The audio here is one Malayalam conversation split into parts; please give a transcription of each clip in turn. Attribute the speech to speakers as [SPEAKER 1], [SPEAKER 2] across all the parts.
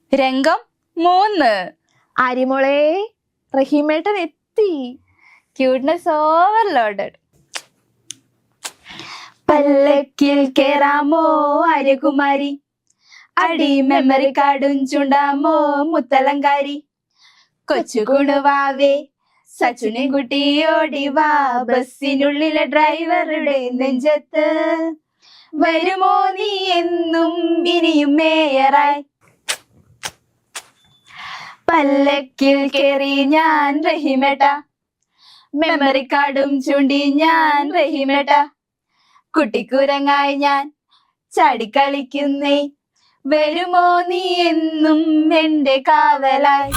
[SPEAKER 1] രംഗം 3.
[SPEAKER 2] അരിമോളെ, റഹീമേട്ടൻ എത്തി.
[SPEAKER 1] Cuteness overloaded. പല്ലക്കിൽ കേറാമോ അരകുമാരി, അടി മെമ്മറി കാർഡും ചുണ്ടാമോ മുത്തലങ്കാരി. കൊച്ചു കുണുവാവേ സച്ചുനെ കുട്ടി ഓടിവാ, ബസ്സിനുള്ളിലെ ഡ്രൈവറുടെ നെഞ്ചത്ത് വരുമോ നീ എന്നും ഇനിയും മേയറായി. പല്ലക്കിൽ കേറി ഞാൻ റഹീമേട്ട, മെമ്മറി കാർഡും ചൂണ്ടി ഞാൻ റഹീമേട്ട. കുട്ടിക്കുരങ്ങായി ഞാൻ ചാടിക്കളിക്കുന്നേ, വരുമോ നീ എന്നും എന്റെ കാവലായി.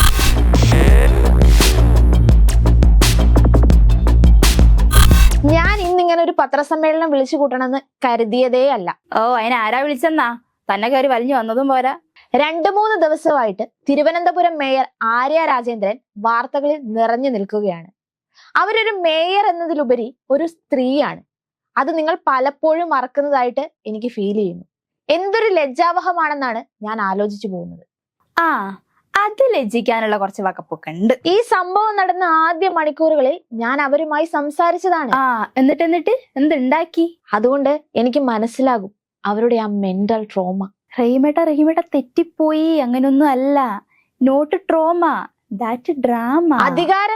[SPEAKER 2] ഞാൻ ഇന്നിങ്ങനെ ഒരു പത്രസമ്മേളനം വിളിച്ചു കൂട്ടണമെന്ന് കരുതിയതേ അല്ല.
[SPEAKER 1] ഓ, അതിനാരാ വിളിച്ചെന്നാ? തന്നെ കയറി വലിഞ്ഞു വന്നതും പോരാ.
[SPEAKER 2] 2-3 ദിവസമായിട്ട് തിരുവനന്തപുരം മേയർ ആര്യ രാജേന്ദ്രൻ വാർത്തകളിൽ നിറഞ്ഞു നിൽക്കുകയാണ്. അവരൊരു മേയർ എന്നതിലുപരി ഒരു സ്ത്രീയാണ്. അത് നിങ്ങൾ പലപ്പോഴും മറക്കുന്നതായിട്ട് എനിക്ക് ഫീൽ ചെയ്യുന്നു. എന്തൊരു ലജ്ജാവഹമാണെന്നാണ് ഞാൻ ആലോചിച്ചു പോകുന്നത്.
[SPEAKER 1] ആ, അത് ലജ്ജിക്കാനുള്ള കുറച്ച് വകപ്പൊക്കെ ഉണ്ട്.
[SPEAKER 2] ഈ സംഭവം നടന്ന ആദ്യ മണിക്കൂറുകളിൽ ഞാൻ അവരുമായി സംസാരിച്ചതാണ്.
[SPEAKER 1] എന്നിട്ട് എന്തുണ്ടാക്കി?
[SPEAKER 2] അതുകൊണ്ട് എനിക്ക് മനസ്സിലാകും അവരുടെ ആ മെന്റൽ ട്രോമ.
[SPEAKER 1] റഹീമേട്ട തെറ്റിപ്പോയി, അങ്ങനൊന്നും അല്ല. Not trauma, that drama.
[SPEAKER 2] അധികാരം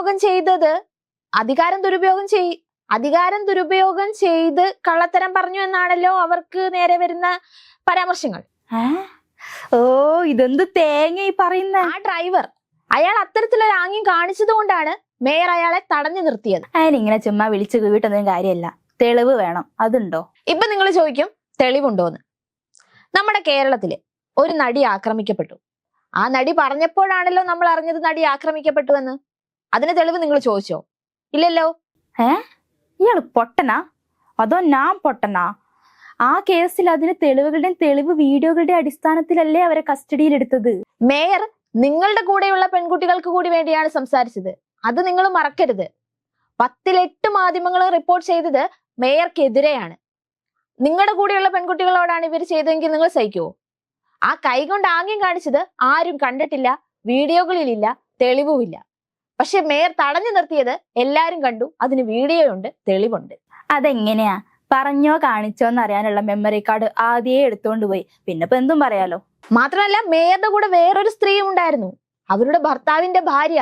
[SPEAKER 2] ദുരുപയോഗം ചെയ്ത് കള്ളത്തരം പറഞ്ഞു എന്നാണല്ലോ അവർക്ക് നേരെ വരുന്ന പരാമർശങ്ങൾ.
[SPEAKER 1] ഓ, ഇതെന്ത് തേങ്ങ ഈ പറയുന്ന?
[SPEAKER 2] ആ ഡ്രൈവർ അയാൾ അത്തരത്തിലൊരു ആംഗ്യം കാണിച്ചത് കൊണ്ടാണ് മേയർ അയാളെ തടഞ്ഞു നിർത്തിയത്.
[SPEAKER 1] അതിനിങ്ങനെ ചുമ്മാ വിളിച്ചു വീട്ടൊന്നും കാര്യമല്ല, തെളിവ് വേണം. അതുണ്ടോ?
[SPEAKER 2] ഇപ്പൊ നിങ്ങൾ ചോദിക്കും തെളിവുണ്ടോന്ന്. നമ്മുടെ കേരളത്തില് ഒരു നടി ആക്രമിക്കപ്പെട്ടു. ആ നടി പറഞ്ഞപ്പോഴാണല്ലോ നമ്മൾ അറിഞ്ഞത് നടി ആക്രമിക്കപ്പെട്ടു എന്ന്. അതിന് തെളിവ് നിങ്ങൾ ചോദിച്ചോ? ഇല്ലല്ലോ.
[SPEAKER 1] ഇയാള് പൊട്ടനാ അതോ ഞാൻ പൊട്ടനാ? ആ കേസിൽ അതിന് തെളിവ് വീഡിയോകളുടെ അടിസ്ഥാനത്തിലല്ലേ അവരെ കസ്റ്റഡിയിൽ എടുത്തത്.
[SPEAKER 2] മേയർ നിങ്ങളുടെ കൂടെയുള്ള പെൺകുട്ടികൾക്ക് കൂടി വേണ്ടിയാണ് സംസാരിച്ചത്. അത് നിങ്ങൾ മറക്കരുത്. 10-8 മാധ്യമങ്ങളും റിപ്പോർട്ട് ചെയ്തത് മേയർക്കെതിരെയാണ്. നിങ്ങളുടെ കൂടെയുള്ള പെൺകുട്ടികളോടാണ് ഇവർ ചെയ്തതെങ്കിൽ നിങ്ങൾ സഹിക്കുവോ? ആ കൈ കൊണ്ട് ആംഗ്യം കാണിച്ചത് ആരും കണ്ടിട്ടില്ല, വീഡിയോകളിലില്ല, തെളിവുമില്ല. പക്ഷെ മേയർ തടഞ്ഞു നിർത്തിയത് എല്ലാരും കണ്ടു. അതിന് വീഡിയോ ഉണ്ട്, തെളിവുണ്ട്.
[SPEAKER 1] അതെങ്ങനെയാ? പറഞ്ഞോ കാണിച്ചോ എന്നറിയാനുള്ള മെമ്മറി കാർഡ് ആദ്യേ എടുത്തോണ്ട് പോയി. പിന്നെ ഇപ്പൊ എന്തും പറയാലോ.
[SPEAKER 2] മാത്രമല്ല മേയറുടെ കൂടെ വേറൊരു സ്ത്രീയും ഉണ്ടായിരുന്നു, അവരുടെ ഭർത്താവിന്റെ ഭാര്യ.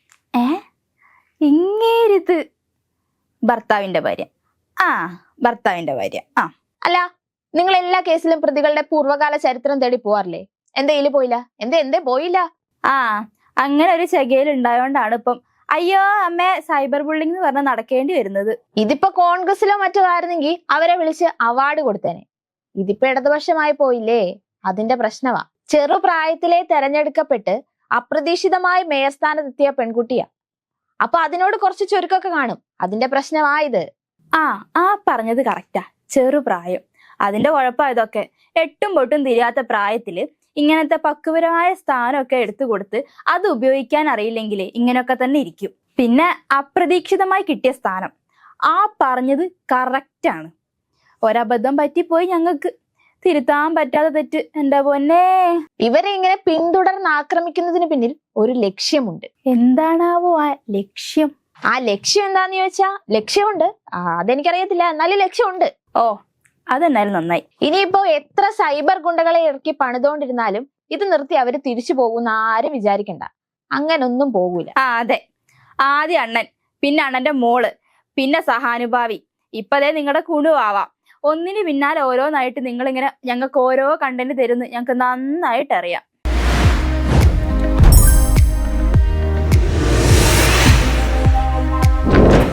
[SPEAKER 1] ഇങ്ങേരിത് ഭർത്താവിന്റെ ഭാര്യ? ഭർത്താവിന്റെ ഭാര്യ.
[SPEAKER 2] അല്ല, നിങ്ങൾ എല്ലാ കേസിലും പ്രതികളുടെ പൂർവ്വകാല ചരിത്രം തേടി പോവാറില്ലേ? എന്തേലും പോയില്ല? എന്തേ പോയില്ല?
[SPEAKER 1] അങ്ങനെ ഒരു ചെകയിൽ ഉണ്ടായോണ്ടാണ് ഇപ്പം അയ്യോ അമ്മേ സൈബർ ബുള്ളിംഗ് എന്ന് പറഞ്ഞ് നടക്കേണ്ടി വരുന്നത്.
[SPEAKER 2] ഇതിപ്പോ കോൺഗ്രസിലോ മറ്റോ ആയിരുന്നെങ്കിൽ അവരെ വിളിച്ച് അവാർഡ് കൊടുത്തേനെ. ഇതിപ്പോ ഇടതുപക്ഷമായി പോയില്ലേ, അതിന്റെ പ്രശ്നമാ. ചെറുപ്രായത്തിലെ തെരഞ്ഞെടുക്കപ്പെട്ട് അപ്രതീക്ഷിതമായി മേയർ സ്ഥാനത്തെത്തിയ പെൺകുട്ടിയാ. അപ്പൊ അതിനോട് കുറച്ച് ചുരുക്കൊക്കെ കാണും. അതിന്റെ പ്രശ്നമായത്.
[SPEAKER 1] പറഞ്ഞത് കറക്റ്റാ. ചെറുപ്രായം, അതിന്റെ കുഴപ്പമായതൊക്കെ. എട്ടും പൊട്ടും തിരിയാത്ത പ്രായത്തില് ഇങ്ങനത്തെ പക്വപരമായ സ്ഥാനമൊക്കെ എടുത്തു കൊടുത്ത് അത് ഉപയോഗിക്കാൻ അറിയില്ലെങ്കിൽ ഇങ്ങനെയൊക്കെ തന്നെ ഇരിക്കും. പിന്നെ അപ്രതീക്ഷിതമായി കിട്ടിയ സ്ഥാനം. പറഞ്ഞത് കറക്റ്റാണ്. ഒരബദ്ധം പറ്റിപ്പോയി ഞങ്ങൾക്ക്, തിരുത്താൻ പറ്റാതെ തെറ്റ്. എന്റെ പൊന്നേ,
[SPEAKER 2] ഇവരെ ഇങ്ങനെ പിന്തുടർന്ന് ആക്രമിക്കുന്നതിന് പിന്നിൽ ഒരു ലക്ഷ്യമുണ്ട്.
[SPEAKER 1] എന്താണാവോ ആ ലക്ഷ്യം?
[SPEAKER 2] ആ ലക്ഷ്യം എന്താന്ന് ചോദിച്ചാ ലക്ഷ്യമുണ്ട്. അതെനിക്കറിയത്തില്ല, എന്നാലും ലക്ഷ്യമുണ്ട്.
[SPEAKER 1] അതെന്നാലും നന്നായി.
[SPEAKER 2] ഇനിയിപ്പോ എത്ര സൈബർ ഗുണ്ടകളെ ഇറക്കി പണിതുകൊണ്ടിരുന്നാലും ഇത് നിർത്തി അവര് തിരിച്ചു പോകുന്ന ആരും വിചാരിക്കണ്ട. അങ്ങനൊന്നും പോകൂല.
[SPEAKER 1] അതെ, ആദ്യം അണ്ണൻ, പിന്നെ അണ്ണന്റെ മോള്, പിന്നെ സഹാനുഭാവി, ഇപ്പതേ നിങ്ങളുടെ കുണുവാവാം. ഒന്നിന് പിന്നാലെ ഓരോന്നായിട്ട് നിങ്ങളിങ്ങനെ ഞങ്ങൾക്ക് ഓരോ കണ്ടന്റ് തരുന്നു ഞങ്ങൾക്ക് നന്നായിട്ട് അറിയാം.